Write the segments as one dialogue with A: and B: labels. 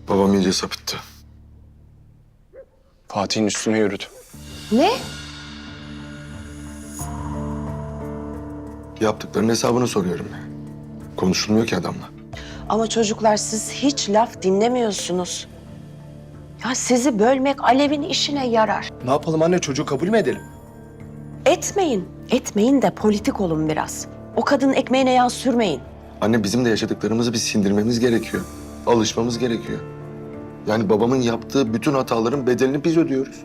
A: Babam iyice sapıttı.
B: Fatih'in üstüne yürüdü.
C: Ne?
A: Yaptıklarının hesabını soruyorum. Konuşulmuyor ki adamla.
C: Ama çocuklar siz hiç laf dinlemiyorsunuz. Ya sizi bölmek Alev'in işine yarar.
B: Ne yapalım anne, çocuğu kabul mü edelim?
C: Etmeyin. Etmeyin de politik olun biraz. O kadının ekmeğine yağ sürmeyin.
A: Anne bizim de yaşadıklarımızı bir sindirmemiz gerekiyor. Alışmamız gerekiyor. Yani babamın yaptığı bütün hataların bedelini biz ödüyoruz.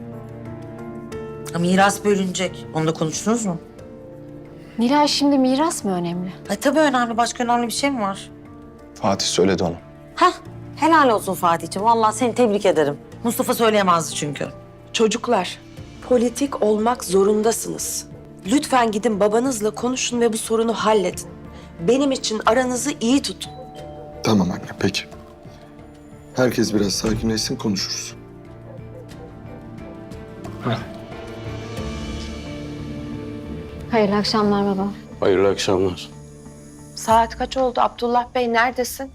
D: Miras bölünecek. Onu da konuştunuz mu?
E: Nilay, şimdi miras mı önemli?
D: Tabii önemli. Başka önemli bir şey mi var?
B: Fatih söyledi onu.
D: Hah, helal olsun Fatih'ciğim. Vallahi seni tebrik ederim. Mustafa söyleyemezdi çünkü.
C: Çocuklar, politik olmak zorundasınız. Lütfen gidin babanızla konuşun ve bu sorunu halledin. Benim için aranızı iyi tutun.
A: Tamam anne, peki. Herkes biraz sakinleşsin, konuşuruz.
E: Hayırlı akşamlar baba.
F: Hayırlı akşamlar.
C: Saat kaç oldu Abdullah Bey? Neredesin?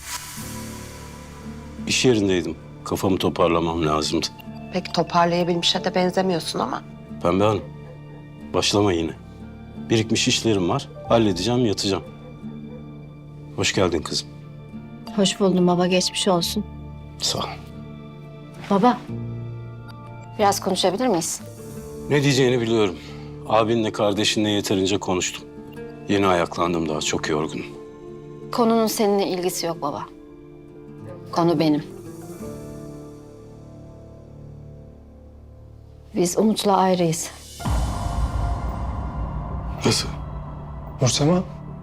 F: İş yerindeydim. Kafamı toparlamam lazımdı.
C: Pek toparlayabilmişe de benzemiyorsun ama.
F: Pembe Hanım, başlama yine. Birikmiş işlerim var. Halledeceğim, yatacağım. Hoş geldin kızım.
E: Hoş buldum baba, geçmiş olsun.
F: Sağ ol.
E: Baba, biraz konuşabilir miyiz?
F: Ne diyeceğini biliyorum. Abinle kardeşinle yeterince konuştum. Yeni ayaklandım, daha çok yorgunum.
E: Konunun seninle ilgisi yok baba. Konu benim. Biz Umut'la ayrıyız.
A: Nasıl?
B: Nursema,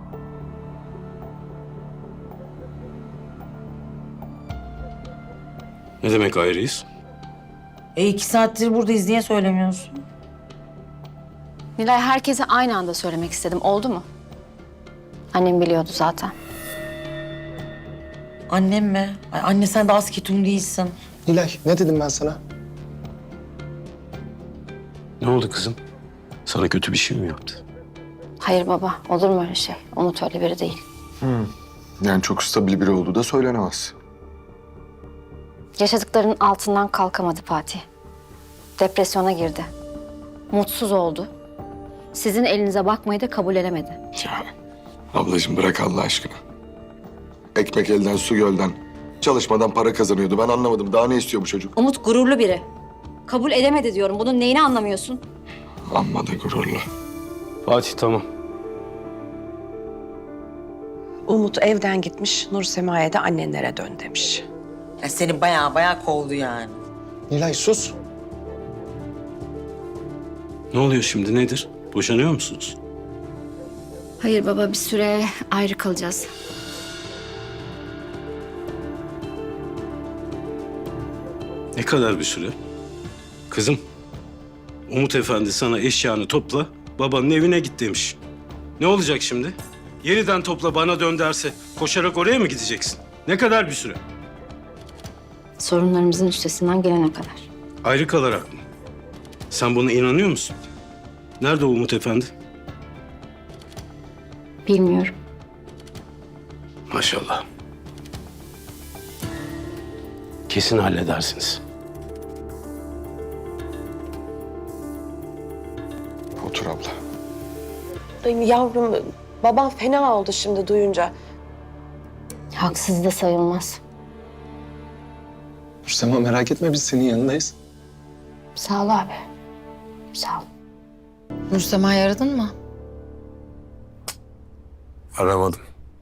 F: Ne demek ayrıyız?
D: 2 saattir buradayız. Niye söylemiyorsun?
E: Nilay, herkese aynı anda söylemek istedim. Oldu mu? Annem biliyordu zaten.
D: Annem mi? Ay anne sen de az ketum değilsin.
B: Nilay ne dedim ben sana?
F: Ne oldu kızım? Sana kötü bir şey mi yaptı?
E: Hayır baba, olur mu öyle şey? Umut öyle biri değil.
A: Yani çok stabil biri olduğu da söylenemez.
E: Yaşadıklarının altından kalkamadı Fatih. Depresyona girdi. Mutsuz oldu. Sizin elinize bakmayı da kabul edemedi.
A: Ya ablacığım bırak Allah aşkına. Ekmek elden, su gölden. Çalışmadan para kazanıyordu. Ben anlamadım. Daha ne istiyor bu çocuk?
E: Umut gururlu biri. Kabul edemedi diyorum. Bunun neyini anlamıyorsun?
A: Amma da gururlu.
F: Fatih tamam.
C: Umut evden gitmiş, Nur Sema'ya da annenlere dön demiş.
D: Ya seni bayağı kovdu yani.
B: Nilay sus.
F: Ne oluyor şimdi, nedir? Boşanıyor musunuz?
E: Hayır baba, bir süre ayrı kalacağız.
F: Ne kadar bir süre? Kızım, Umut Efendi sana eşyanı topla, babanın evine git demiş. Ne olacak şimdi? Yeniden topla bana dön derse koşarak oraya mı gideceksin? Ne kadar bir süre?
E: Sorunlarımızın üstesinden gelene kadar.
F: Ayrı kalarak mı? Sen buna inanıyor musun? Nerede o Umut Efendi?
E: Bilmiyorum.
F: Maşallah. Kesin halledersiniz.
A: Otur abla.
C: Ay yavrum, babam fena oldu şimdi duyunca.
E: Haksız da sayılmaz.
B: Nursema merak etme, biz senin yanındayız.
E: Sağ ol abi. Sağ ol.
G: Nursema'yı aradın mı?
H: Aramadım.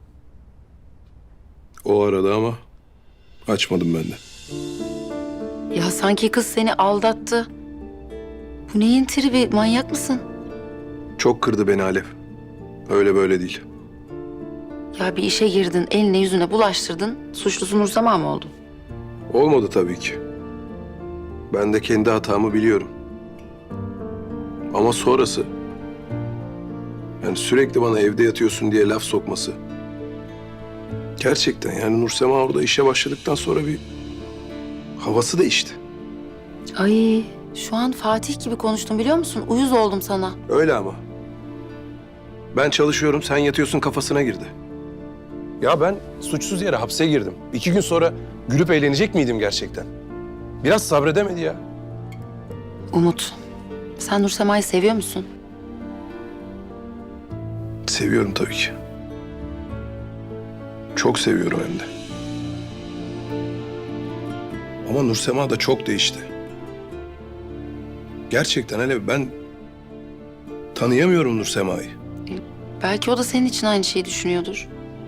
H: O aradı ama açmadım ben de.
G: Ya sanki kız seni aldattı. Bu neyin tribi? Manyak mısın?
H: Çok kırdı beni Alev. Öyle böyle değil.
G: Ya bir işe girdin, eline yüzüne bulaştırdın. Suçlusu Nursema mı oldun?
H: Olmadı tabii ki. Ben de kendi hatamı biliyorum. Ama sonrası... Yani sürekli bana evde yatıyorsun diye laf sokması. Gerçekten yani Nursema orada işe başladıktan sonra bir havası değişti.
G: Ay şu an Fatih gibi konuştum biliyor musun? Uyuz oldum sana.
H: Öyle ama. Ben çalışıyorum, sen yatıyorsun kafasına girdi. Ya ben suçsuz yere hapse girdim. 2 gün sonra gülüp eğlenecek miydim gerçekten? Biraz sabredemedi ya.
G: Umut, sen Nursema'yı seviyor musun?
H: Seviyorum tabii ki. Çok seviyorum hem de. Ama Nursema da çok değişti. Gerçekten hele ben tanıyamıyorum Nursema'yı.
G: Belki o da senin için aynı şeyi düşünüyordur.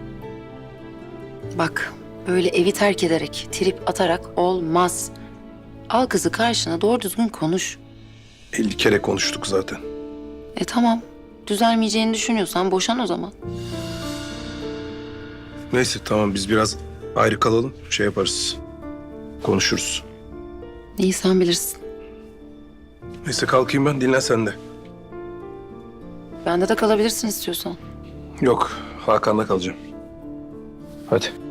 G: Bak, böyle evi terk ederek, trip atarak olmaz. Al kızı karşına, doğru düzgün konuş.
H: 50 kere konuştuk zaten.
G: Tamam, düzelmeyeceğini düşünüyorsan boşan o zaman.
H: Neyse tamam biz biraz ayrı kalalım. Şey yaparız. Konuşuruz.
G: İyi, sen bilirsin.
H: Neyse kalkayım ben, dinlen sen de.
G: Bende de kalabilirsin istiyorsan.
H: Yok, Hakan'la kalacağım. Hadi.